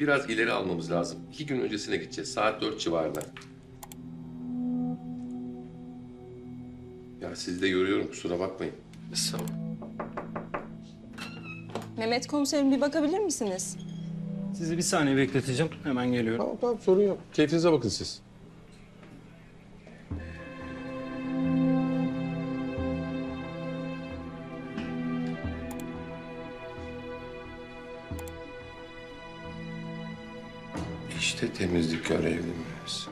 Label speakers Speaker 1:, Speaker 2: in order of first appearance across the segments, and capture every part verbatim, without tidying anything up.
Speaker 1: biraz ileri almamız lazım. İki gün öncesine gideceğiz. Saat dört civarında. Ya sizi de görüyorum, kusura bakmayın.
Speaker 2: Sağ ol.
Speaker 3: Mehmet komiserim bir bakabilir misiniz?
Speaker 2: Sizi bir saniye bekleteceğim. Hemen geliyorum.
Speaker 1: Tamam tamam, sorun yok. Keyfinize bakın siz. İşte temizlik görevlimiz.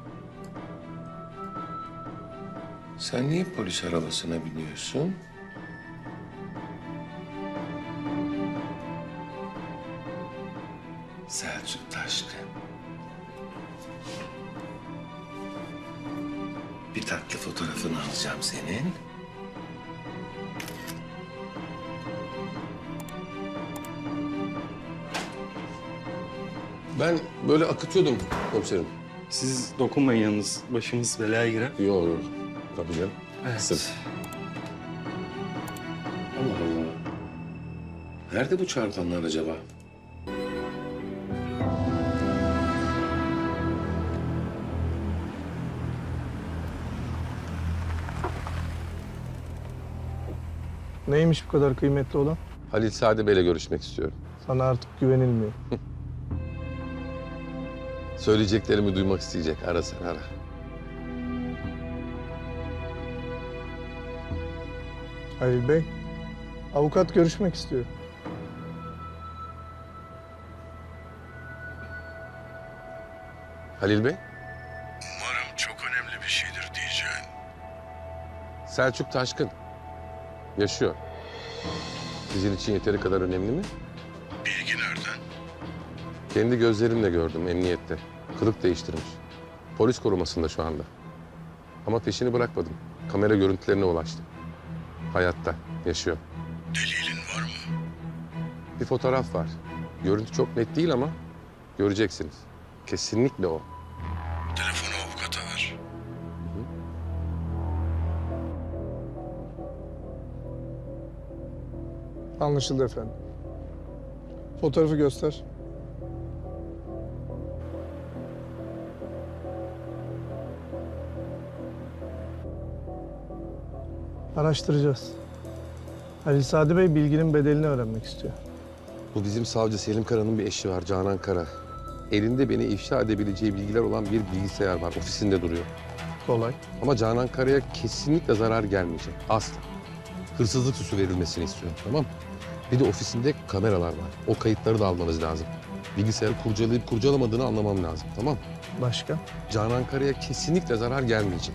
Speaker 1: Sen niye polis arabasına biniyorsun? Selçuk Taşkın. Bir tatlı fotoğrafını alacağım senin. Ben böyle akıtıyordum komiserim.
Speaker 2: Siz dokunmayın yalnız. Başımız belaya girer.
Speaker 1: Yok yok. Tabii canım.
Speaker 2: Evet.
Speaker 1: Sırf. Allah Allah. Nerede bu çarpanlar acaba?
Speaker 4: Neymiş bu kadar kıymetli olan?
Speaker 1: Halil Sade Bey'le görüşmek istiyorum.
Speaker 4: Sana artık güvenilmiyor.
Speaker 1: Söyleyeceklerimi duymak isteyecek. Ara sen ara.
Speaker 4: Halil Bey, avukat görüşmek istiyor.
Speaker 1: Halil Bey,
Speaker 5: Umarım çok önemli bir şeydir diyeceğin.
Speaker 1: Selçuk Taşkın. Yaşıyor. Sizin için yeteri kadar önemli mi?
Speaker 5: Bilgi nereden?
Speaker 1: Kendi gözlerimle gördüm emniyette. Kılık değiştirmiş. Polis korumasında şu anda. Ama peşini bırakmadım. Kamera görüntülerine ulaştım. Hayatta, yaşıyor.
Speaker 5: Delilin var mı?
Speaker 1: Bir fotoğraf var. Görüntü çok net değil ama göreceksiniz. Kesinlikle o.
Speaker 5: Telefonu avukata ver.
Speaker 4: Anlaşıldı efendim. Fotoğrafı göster. Araştıracağız. Halil Sadi Bey bilginin bedelini öğrenmek istiyor.
Speaker 1: Bu bizim savcı Selim Kara'nın bir eşi var, Canan Kara. Elinde beni ifşa edebileceği bilgiler olan bir bilgisayar var. Ofisinde duruyor.
Speaker 4: Kolay.
Speaker 1: Ama Canan Kara'ya kesinlikle zarar gelmeyecek. Asla. Hırsızlık süsü verilmesini istiyorum, tamam mı? Bir de ofisinde kameralar var. O kayıtları da almanız lazım. Bilgisayarı kurcalayıp kurcalamadığını anlamam lazım, tamam mı?
Speaker 4: Başka?
Speaker 1: Canan Kara'ya kesinlikle zarar gelmeyecek.